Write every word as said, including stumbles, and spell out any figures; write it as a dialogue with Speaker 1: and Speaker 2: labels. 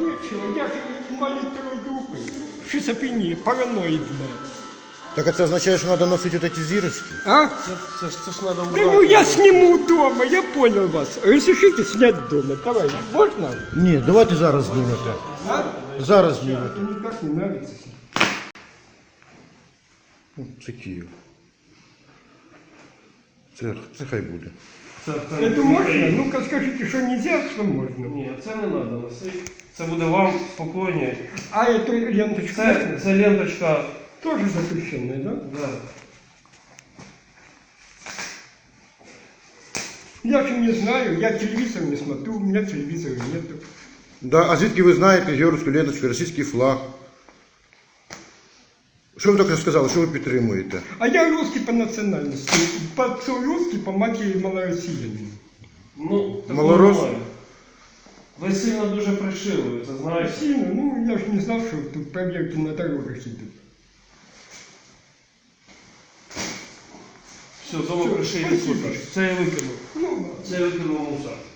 Speaker 1: нічого, я ж інвалід другої групи. Шизофренія, параноїдна.
Speaker 2: Так а це означає, що треба носити от ці зірочки?
Speaker 1: А?
Speaker 3: Це, це, ж- це ж треба
Speaker 1: Да ну я сниму дома, я понял вас. Разрешите снять дома. Давай, можно?
Speaker 2: Ні, давайте зараз знімете.
Speaker 1: А?
Speaker 2: Зараз знімете.
Speaker 1: Это никак не нравится.
Speaker 2: Ну, Це Київ. Це, це хай буде.
Speaker 3: Це, це,
Speaker 1: Это можно? Ну-ка скажите, что нельзя, что можно.
Speaker 3: Ні, це не треба носити. Це буде вам спокійніше.
Speaker 1: А эту ленточку
Speaker 3: Це, це ленточка.
Speaker 1: тоже запрещенная, да?
Speaker 3: Да.
Speaker 1: Я же не знаю, я телевизор не смотрю, у меня телевизора нету.
Speaker 2: Да, а звідки ви знаєте георгську ленточку, російський флаг? Що ви тільки сказали, що ви підтримуєте?
Speaker 1: А я русский по национальности, по русский, по матери малороссиянин.
Speaker 3: Ну, такого
Speaker 2: Малорос?
Speaker 3: немає. Ви сильно дуже пришили, ви це знаєте.
Speaker 1: Россия, ну я же не знал, что тут проверки на дорогах идут.
Speaker 3: Все, знову
Speaker 1: Всё,
Speaker 3: пришили.
Speaker 1: спасибо.
Speaker 3: Це я викинув.
Speaker 1: Ну,
Speaker 3: Це я викинув в мусор.